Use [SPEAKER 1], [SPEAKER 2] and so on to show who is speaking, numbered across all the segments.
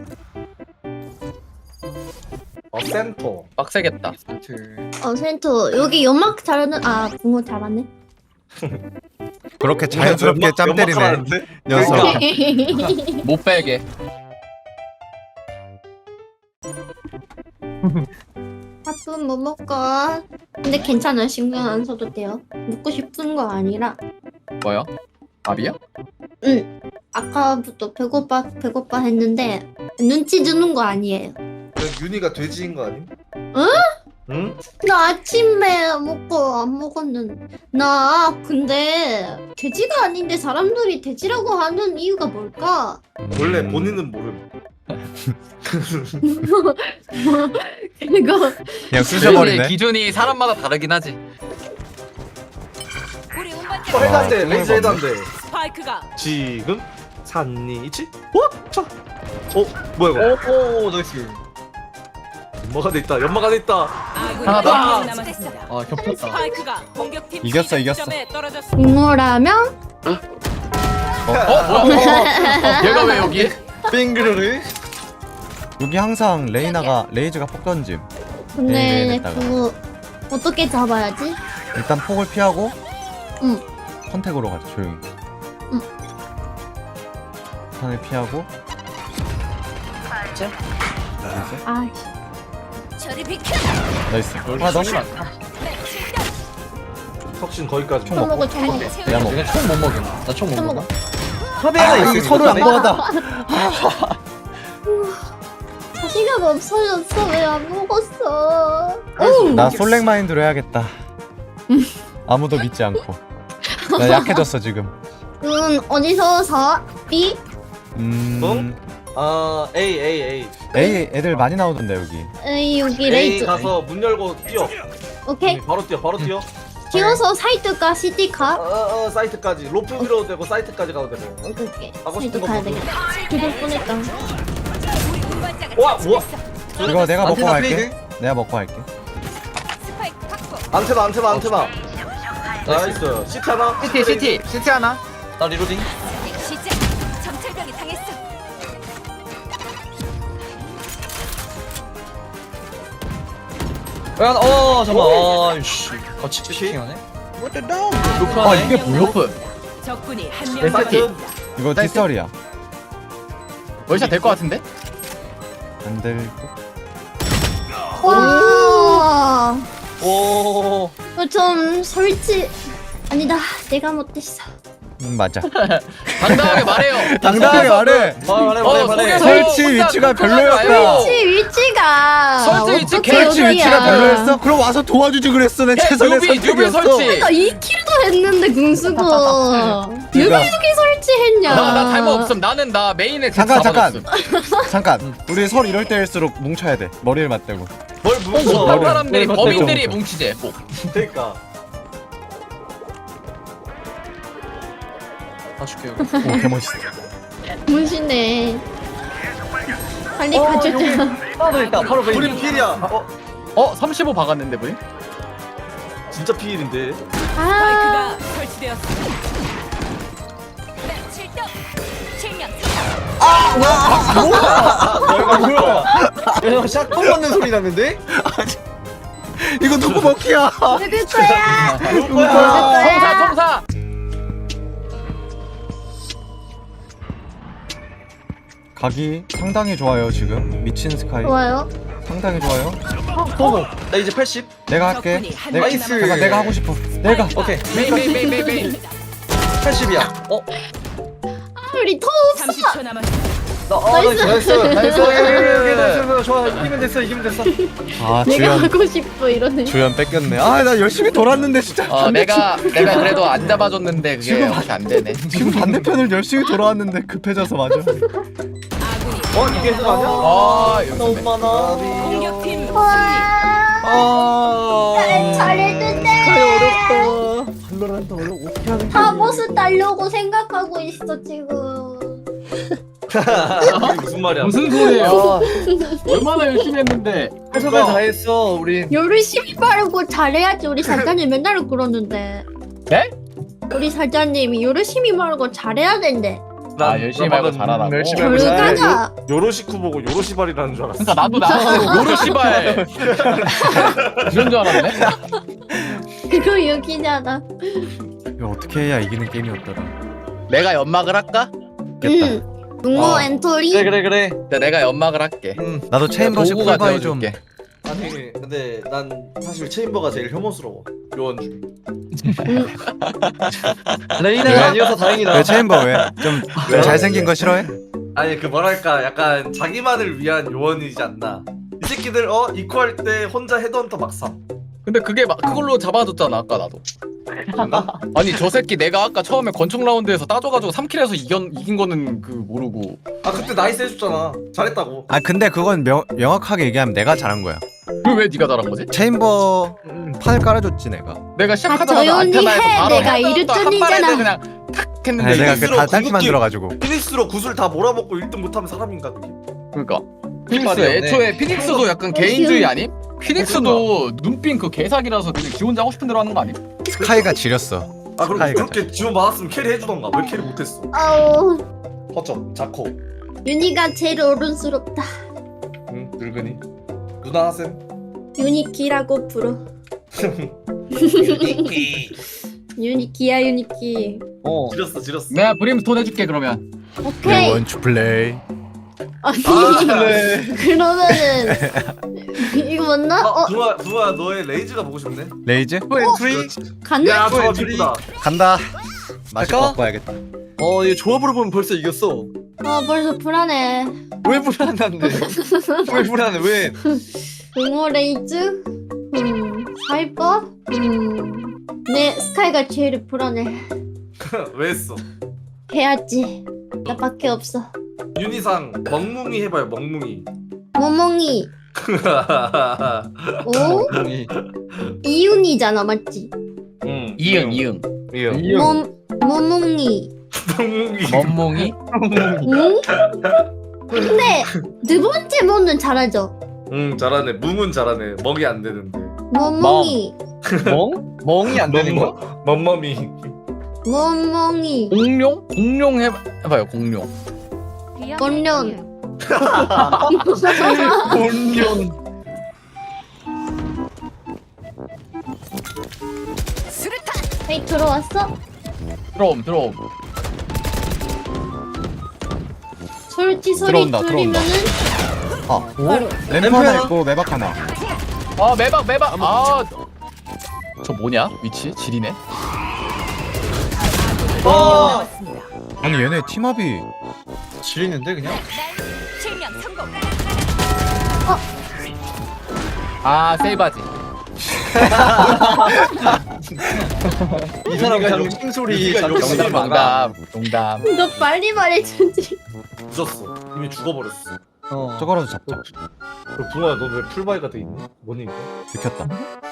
[SPEAKER 1] 센터.
[SPEAKER 2] 빡세겠다.
[SPEAKER 3] 센터 여기 연막 잘하는 붕어 잘하네.
[SPEAKER 4] 그렇게 자연스럽게 짬 때리네
[SPEAKER 1] 연막하라는데?
[SPEAKER 4] 녀석.
[SPEAKER 2] 못 빼게.
[SPEAKER 3] 밥은 뭐 먹까? 근데 괜찮아, 신경 안 써도 돼요. 먹고 싶은 거 아니라.
[SPEAKER 2] 뭐요? 밥이요?
[SPEAKER 3] 응. 아까부터 배고파 했는데 눈치 주는 거 아니에요.
[SPEAKER 1] 윤희가 돼지인 거 아님?
[SPEAKER 3] 응?
[SPEAKER 1] 응?
[SPEAKER 3] 나 아침에 먹고 안 먹었는데 나 근데 돼지가 아닌데 사람들이 돼지라고 하는 이유가 뭘까?
[SPEAKER 1] 원래 본인은 모름.
[SPEAKER 3] 이거
[SPEAKER 4] 그냥
[SPEAKER 2] 돼지의
[SPEAKER 4] 쑤셔버리네.
[SPEAKER 2] 기준이 사람마다 다르긴 하지.
[SPEAKER 5] 우리 운반자
[SPEAKER 1] 해단대 레이저 해단대.
[SPEAKER 5] 스파이크가
[SPEAKER 1] 지금 산니치? 자. 뭐야 이거?
[SPEAKER 6] 오 나이스.
[SPEAKER 1] 연막 안에 있다. 연막 안에 있다.
[SPEAKER 5] 아군이
[SPEAKER 2] 하나 더.
[SPEAKER 5] 한명 남았습니다.
[SPEAKER 6] 아 겹쳤다.
[SPEAKER 5] 스파이크가 공격팀
[SPEAKER 4] 이겼어,
[SPEAKER 5] 시작점에 떨어졌습니다.
[SPEAKER 3] 붕어라면
[SPEAKER 2] 뭐야? 얘가 왜 여기?
[SPEAKER 6] 빙그르르.
[SPEAKER 4] 여기 항상 레이즈가 폭 던짐.
[SPEAKER 3] 근데
[SPEAKER 4] 네네네다가.
[SPEAKER 3] 그거 어떻게 잡아야지?
[SPEAKER 4] 일단 폭을 피하고
[SPEAKER 3] 응.
[SPEAKER 4] 컨택으로 가자 조용히.
[SPEAKER 3] 응.
[SPEAKER 4] 탄을 피하고
[SPEAKER 3] 아,
[SPEAKER 5] 저리 비켜.
[SPEAKER 4] 나이스. 하나 더.
[SPEAKER 1] 혁신 거기까지.
[SPEAKER 4] 총
[SPEAKER 3] 총
[SPEAKER 4] 먹고.
[SPEAKER 3] 먹어, 총 먹어,
[SPEAKER 4] 내가 먹어.
[SPEAKER 2] 내가 총 못 먹여. 나 총 못
[SPEAKER 3] 총
[SPEAKER 2] 먹어.
[SPEAKER 3] 먹어.
[SPEAKER 6] 섭외가
[SPEAKER 4] 이게 서로 양보하다.
[SPEAKER 3] 자신감 없어졌어. 왜 안 먹었어?
[SPEAKER 4] 나 솔랭 마인드로 해야겠다. 아무도 믿지 않고. 나 약해졌어 지금.
[SPEAKER 3] 어디서 사? B?
[SPEAKER 1] A.
[SPEAKER 4] 에이 애들 많이 나오던데 여기.
[SPEAKER 3] 에이, 여기
[SPEAKER 1] A
[SPEAKER 3] 레이즈.
[SPEAKER 1] 가서 문 열고 뛰어.
[SPEAKER 3] 오케이.
[SPEAKER 1] 바로 뛰어.
[SPEAKER 3] 뛰어서 사이트가 시티 가?
[SPEAKER 1] 사이트까지. 로프 밀어도 되고 사이트까지 가도 되고.
[SPEAKER 3] 오케이.
[SPEAKER 1] 하고
[SPEAKER 3] 사이트
[SPEAKER 1] 싶은 거
[SPEAKER 3] 가야
[SPEAKER 1] 보고.
[SPEAKER 3] 되겠다. 그럴 뻔했다.
[SPEAKER 5] 우리 운반자가
[SPEAKER 1] 와, 뭐야?
[SPEAKER 4] 이거 내가 먹고
[SPEAKER 6] 안테나
[SPEAKER 4] 갈게.
[SPEAKER 6] 페이드?
[SPEAKER 4] 내가 먹고 갈게.
[SPEAKER 5] 스파이크 확보.
[SPEAKER 1] 안테나. 나이스. 시트 하나.
[SPEAKER 2] 시티 하나.
[SPEAKER 6] 나 리로딩.
[SPEAKER 5] 시작. 정찰병이 당했어.
[SPEAKER 6] 잠깐만. 아이씨. 같이 치팅하네.
[SPEAKER 4] 아 이게 뭐야?
[SPEAKER 2] 로프.
[SPEAKER 5] 적군이 한
[SPEAKER 1] 네,
[SPEAKER 5] 명
[SPEAKER 1] 사이트.
[SPEAKER 5] 남았습니다.
[SPEAKER 4] 이거 뒷설이야.
[SPEAKER 2] 월샷 될 것 같은데?
[SPEAKER 4] 안 될 듯.
[SPEAKER 3] 와.
[SPEAKER 6] 오.
[SPEAKER 3] 좀 설치. 아니다. 내가 못했어.
[SPEAKER 4] 맞아.
[SPEAKER 2] 당당하게 말해요.
[SPEAKER 4] 당당하게 말해.
[SPEAKER 6] 말해.
[SPEAKER 4] 설치 위치가 별로였다.
[SPEAKER 3] 설치 위치가.
[SPEAKER 2] 설치 위치
[SPEAKER 3] 어떻게
[SPEAKER 4] 설치
[SPEAKER 3] 여기야.
[SPEAKER 4] 위치가 별로였어? 그럼 와서 도와주지 그랬어. 내 최선의
[SPEAKER 2] 뉴비
[SPEAKER 4] 선택이었어.
[SPEAKER 2] 설치.
[SPEAKER 3] 나 2킬도 했는데 궁수고. 누가
[SPEAKER 4] 네가-
[SPEAKER 3] 여기 설치했냐?
[SPEAKER 2] 나 잘못 없음. 나는 나 메인에
[SPEAKER 4] 잠깐.
[SPEAKER 2] 잡아줬음.
[SPEAKER 4] 잠깐. 우리 설 이럴 때일수록 뭉쳐야 돼. 머리를 맞대고.
[SPEAKER 1] 뭘 뭉쳐?
[SPEAKER 2] 못한 사람들이
[SPEAKER 4] 머리
[SPEAKER 2] 범인들이
[SPEAKER 4] 맞대고.
[SPEAKER 2] 뭉치지. 뭐.
[SPEAKER 1] 그러니까.
[SPEAKER 6] 봐줄게.
[SPEAKER 4] 오 개멋있어.
[SPEAKER 3] 문신네. 빨리 가주자.
[SPEAKER 6] 하나 있다. 바로 베이.
[SPEAKER 1] 우리 필이야.
[SPEAKER 2] 35 박았는데 우리?
[SPEAKER 1] 진짜 필인데.
[SPEAKER 3] 아,
[SPEAKER 5] 스파이크가 설치되었습니다. 출동. 실명.
[SPEAKER 6] 뭐야? 야, 샷건 맞는 소리 나는데?
[SPEAKER 4] 이거 누구 먹기야?
[SPEAKER 3] 누굴 거야?
[SPEAKER 1] 누구 거야?
[SPEAKER 2] 청사.
[SPEAKER 4] 각이 상당히 좋아요 지금. 미친 스카이.
[SPEAKER 3] 좋아요.
[SPEAKER 4] 상당히 좋아요.
[SPEAKER 6] 보고. 나 이제 80.
[SPEAKER 4] 내가 할게.
[SPEAKER 5] 적군이 한
[SPEAKER 4] 내가
[SPEAKER 5] 명
[SPEAKER 6] 나이스.
[SPEAKER 4] 잠깐 내가 하고 싶어. 내가.
[SPEAKER 6] 오케이.
[SPEAKER 2] 메인.
[SPEAKER 6] 80이야.
[SPEAKER 3] 우리 더 없어.
[SPEAKER 5] 30초 남았습니다.
[SPEAKER 6] 나이스. 좋아. 이기면 됐어.
[SPEAKER 4] 아
[SPEAKER 3] 내가
[SPEAKER 4] 주연.
[SPEAKER 3] 하고 싶어 이러네.
[SPEAKER 4] 주연 뺏겼네. 아 나 열심히 돌았는데 진짜.
[SPEAKER 2] 내가 그래도 안 잡아줬는데 그게
[SPEAKER 4] 지금
[SPEAKER 2] 이렇게 안 되네.
[SPEAKER 4] 지금 반대편을 열심히 돌아왔는데 급해져서 맞아.
[SPEAKER 5] 아군이
[SPEAKER 1] 이게 해석 아니야?
[SPEAKER 2] 여기
[SPEAKER 6] 너무
[SPEAKER 2] 있네.
[SPEAKER 6] 많아.
[SPEAKER 5] 공격팀
[SPEAKER 3] 와.
[SPEAKER 6] 아.
[SPEAKER 3] 잘했는데.
[SPEAKER 6] 어렵다.
[SPEAKER 3] 다 버스 따려고 생각하고 있어 지금.
[SPEAKER 1] 이게 무슨 말이야?
[SPEAKER 2] 무슨 소리예요? 얼마나 열심히 했는데.
[SPEAKER 6] 최선을 다했어. 우리.
[SPEAKER 3] 열심히 바르고 잘해야지. 우리 사장님 맨날 그러는데.
[SPEAKER 2] 네?
[SPEAKER 3] 우리 사장님이 열심히 바르고 잘해야 된대.
[SPEAKER 2] 아 열심히 말고 잘하라고.
[SPEAKER 6] 열심히
[SPEAKER 3] 교육 가자.
[SPEAKER 1] 요로시쿠 보고 요로시발이라는 줄 알았어.
[SPEAKER 2] 그러니까 나도 요로시발 이런 줄 알았네.
[SPEAKER 3] 그거 여기잖아.
[SPEAKER 4] 이거 어떻게 해야 이기는 게임이었더라.
[SPEAKER 2] 내가 연막을 할까?
[SPEAKER 4] 겠다.
[SPEAKER 3] 붕어 엔터리.
[SPEAKER 6] 그래.
[SPEAKER 2] 내가 연막을 할게.
[SPEAKER 4] 나도 체인버시
[SPEAKER 2] 도구가
[SPEAKER 4] 풀바이 좀.
[SPEAKER 2] 되어줄게.
[SPEAKER 1] 아니 근데 난 사실 체인버가 제일 혐오스러워. 요원 중에.
[SPEAKER 6] 레이나가 아니어서 다행이다.
[SPEAKER 4] 왜 체인버 왜? 좀
[SPEAKER 1] 왜요?
[SPEAKER 4] 잘생긴 거 싫어해?
[SPEAKER 1] 아니 그 뭐랄까 약간 자기만을 위한 요원이지 않나. 이 새끼들 이코할 때 혼자 헤드헌터 막삼.
[SPEAKER 2] 근데 그게 그걸로 잡아줬잖아 아까 나도. 아니 저 새끼 내가 아까 처음에 권총 라운드에서 따줘가지고 3킬에서 이긴 거는 그 모르고.
[SPEAKER 1] 아 그때 나이스 해줬잖아. 잘했다고.
[SPEAKER 4] 아 근데 그건 명확하게 얘기하면 내가 잘한 거야.
[SPEAKER 2] 그 왜 네가 잘한 거지?
[SPEAKER 4] 체인버 판을 깔아줬지 내가.
[SPEAKER 2] 내가 시작하자마자
[SPEAKER 3] 조용히
[SPEAKER 2] 안테나에서
[SPEAKER 3] 해.
[SPEAKER 2] 바로
[SPEAKER 3] 내가
[SPEAKER 2] 헤드헌터
[SPEAKER 3] 이랬더니잖아.
[SPEAKER 2] 한 발에 그냥 탁 했는데.
[SPEAKER 4] 아니, 내가 그
[SPEAKER 1] 픽스로
[SPEAKER 4] 다 딸기
[SPEAKER 1] 궁극기-
[SPEAKER 4] 만들어가지고.
[SPEAKER 1] 피닉스로 구슬 다 몰아먹고 1등 못하면 사람인가 그게?
[SPEAKER 2] 그러니까 피닉스
[SPEAKER 6] 말이었네.
[SPEAKER 2] 애초에 피닉스도 약간 개인주의 아님? 피닉스도 눈빛 그 개사기라서 그냥 지 혼자 하고 싶은 대로 하는 거 아님?
[SPEAKER 4] 스카이가 지렸어.
[SPEAKER 1] 아 그럼
[SPEAKER 4] 스카이가
[SPEAKER 1] 그렇게 지원 받았으면 캐리 해주던가. 왜 캐리 못했어?
[SPEAKER 3] 아우
[SPEAKER 1] 허점 자코.
[SPEAKER 3] 윤희가 제일 어른스럽다.
[SPEAKER 1] 응 늙은이. 누나 하셈.
[SPEAKER 3] 유니키라고 불러. 유니키야 유니키.
[SPEAKER 1] 지렸어.
[SPEAKER 2] 내가 브림스톤 해줄게 그러면.
[SPEAKER 3] 오케이.
[SPEAKER 4] 원투 플레이.
[SPEAKER 3] 아니
[SPEAKER 6] 네.
[SPEAKER 3] 그러면은 이거 맞나?
[SPEAKER 1] 붕어야 너의 레이즈가 보고 싶네.
[SPEAKER 4] 레이즈
[SPEAKER 6] 엔트리.
[SPEAKER 3] 갔나?
[SPEAKER 1] 야 저거
[SPEAKER 6] 엔트리.
[SPEAKER 1] 미쁘다.
[SPEAKER 4] 간다. 맛이
[SPEAKER 6] 갈까?
[SPEAKER 4] 바꿔야겠다.
[SPEAKER 6] 이 조합으로 보면 벌써 이겼어.
[SPEAKER 3] 벌써 불안해.
[SPEAKER 6] 왜 불안한데? 왜 불안해? 왜?
[SPEAKER 3] 붕어 레이즈? 사이버? 내 스카이가 제일 불안해.
[SPEAKER 1] 왜 했어?
[SPEAKER 3] 해야지. 나밖에 없어.
[SPEAKER 1] 윤희상 멍뭉이 해봐요 멍뭉이.
[SPEAKER 3] 모몽이. 오?
[SPEAKER 6] 멍이.
[SPEAKER 3] 이윤이잖아 맞지?
[SPEAKER 1] 응.
[SPEAKER 2] 이응.
[SPEAKER 3] 모몽이.
[SPEAKER 1] 멍뭉이.
[SPEAKER 2] 멍멍이?
[SPEAKER 3] 응? 근데 두 번째 모는 잘하죠.
[SPEAKER 1] 응 잘하네. 뭉은 잘하네. 멍이 안 되는데.
[SPEAKER 3] 모몽이.
[SPEAKER 6] 멍? 멍이 안 되는 거야?
[SPEAKER 1] 멍멍이.
[SPEAKER 3] 모몽이.
[SPEAKER 2] 공룡? 공룡 해봐요 공룡.
[SPEAKER 3] 건련.
[SPEAKER 6] 본년.
[SPEAKER 3] 헤이 들어왔어?
[SPEAKER 2] 들어옴.
[SPEAKER 3] 솔티 소리
[SPEAKER 4] 들어온다,
[SPEAKER 3] 들리면은
[SPEAKER 4] 아,
[SPEAKER 3] 바로.
[SPEAKER 4] 램프 하나 있고 매박 하나.
[SPEAKER 2] 아 매박. 아. 저 뭐냐? 위치? 지리네.
[SPEAKER 4] 아니 얘네 팀합이
[SPEAKER 6] 지리는데 그냥?
[SPEAKER 5] 실명 성공.
[SPEAKER 2] 아 세이바지.
[SPEAKER 6] 이 사람 그냥 싱소리
[SPEAKER 1] 네가
[SPEAKER 6] 잠깐
[SPEAKER 1] 욕심이
[SPEAKER 6] 넘어가.
[SPEAKER 1] 많아.
[SPEAKER 2] 농담.
[SPEAKER 3] 너 빨리 말해주지.
[SPEAKER 1] 늦었어. 이미 죽어버렸어.
[SPEAKER 4] 저거라도 잡자.
[SPEAKER 1] 그럼 붕어야 너 왜 풀바이가 돼 있니? 뭐니 이거?
[SPEAKER 4] 들켰다.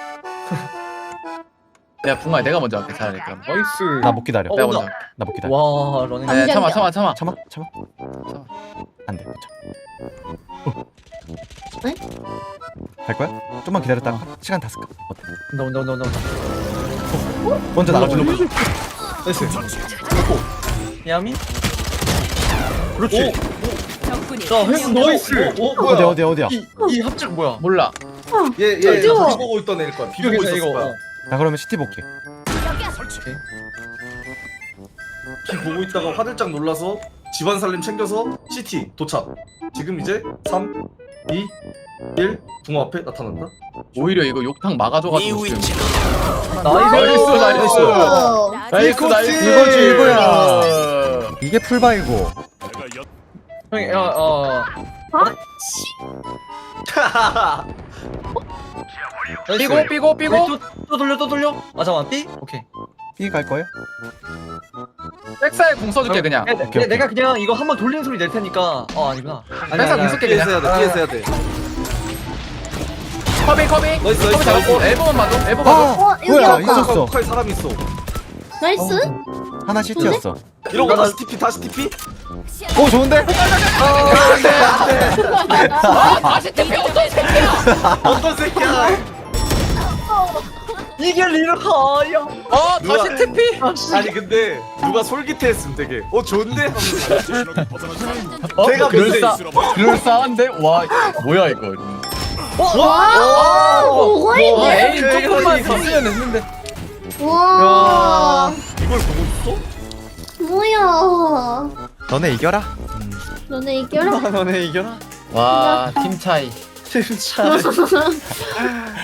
[SPEAKER 2] 야 붕아 내가 먼저 할게 차라리 그럼.
[SPEAKER 6] 나이스.
[SPEAKER 4] 나 못 기다려.
[SPEAKER 2] 내가 먼저.
[SPEAKER 4] 나 못 기다려.
[SPEAKER 6] 와 러닝.
[SPEAKER 3] 안
[SPEAKER 2] 야, 참아.
[SPEAKER 4] 참아. 안 돼.
[SPEAKER 3] 네?
[SPEAKER 4] 갈 거야? 좀만 기다렸다. 시간 다 쓸까? 어때?
[SPEAKER 6] 온다.
[SPEAKER 4] 먼저 나가주는 거.
[SPEAKER 6] 나이스. 야미?
[SPEAKER 1] 그렇지.
[SPEAKER 5] 적군이
[SPEAKER 6] 자, 형 나이스.
[SPEAKER 4] 어디야?
[SPEAKER 6] 이 합작 뭐야?
[SPEAKER 2] 몰라.
[SPEAKER 1] 얘
[SPEAKER 3] 어디요?
[SPEAKER 1] 비보고 있던 애일 거야. 비보고
[SPEAKER 6] 이거
[SPEAKER 1] 있었을 거야.
[SPEAKER 4] 나 그러면 시티 볼게.
[SPEAKER 1] 비 보고 있다가 화들짝 놀라서 집안 살림 챙겨서 CT 도착. 지금 이제 3, 2, 1 붕어 앞에 나타난다.
[SPEAKER 2] 오히려 이거 욕탕 막아줘가지고 지금.
[SPEAKER 6] 나이스.
[SPEAKER 2] 나이스.
[SPEAKER 4] 이거지, 이거야. 이게 풀바이고.
[SPEAKER 6] 형이
[SPEAKER 2] 삐고.
[SPEAKER 6] 또 돌려. 아 잠깐 삐. 오케이.
[SPEAKER 4] B 갈 거예요?
[SPEAKER 2] 백사에 공 써줄게 그냥.
[SPEAKER 4] 오케이.
[SPEAKER 6] 내가 그냥 이거 한번 돌리는 소리 낼 테니까. 아니구나.
[SPEAKER 2] 백사 공 쓸게
[SPEAKER 1] 피해서
[SPEAKER 2] 그냥.
[SPEAKER 1] 해야 돼. 피해서 해야 돼.
[SPEAKER 2] 커빙.
[SPEAKER 1] 나이스.
[SPEAKER 2] 잡았고 엘보만 봐도. 엘보
[SPEAKER 4] 아,
[SPEAKER 2] 봐도.
[SPEAKER 3] 여기
[SPEAKER 4] 뭐야?
[SPEAKER 3] 아까.
[SPEAKER 4] 있었어.
[SPEAKER 1] 칼 사람이 있어.
[SPEAKER 3] 나이스.
[SPEAKER 4] 하나 시티였어.
[SPEAKER 1] 이러고 다시 TP 다시 TP?
[SPEAKER 4] 오 좋은데?
[SPEAKER 2] 다시 TP 어떤 새끼야?
[SPEAKER 1] 어떤 새끼야?
[SPEAKER 6] 이게 리로야.
[SPEAKER 2] 아 다시 태피.
[SPEAKER 1] 아니 근데 누가 솔깃해했음 되게 좋은데?
[SPEAKER 2] 걔가 그럴싸한데? 와 뭐야 이거.
[SPEAKER 3] 와, 뭐가
[SPEAKER 2] 와
[SPEAKER 3] 있네.
[SPEAKER 2] 에임 조금만 있으면 했는데.
[SPEAKER 3] 와,
[SPEAKER 1] 이걸 보고 있어?
[SPEAKER 3] 뭐야.
[SPEAKER 4] 너네 이겨라.
[SPEAKER 3] 너네 이겨라.
[SPEAKER 6] 너네 이겨라.
[SPEAKER 2] 와 팀 차이.
[SPEAKER 6] 진짜.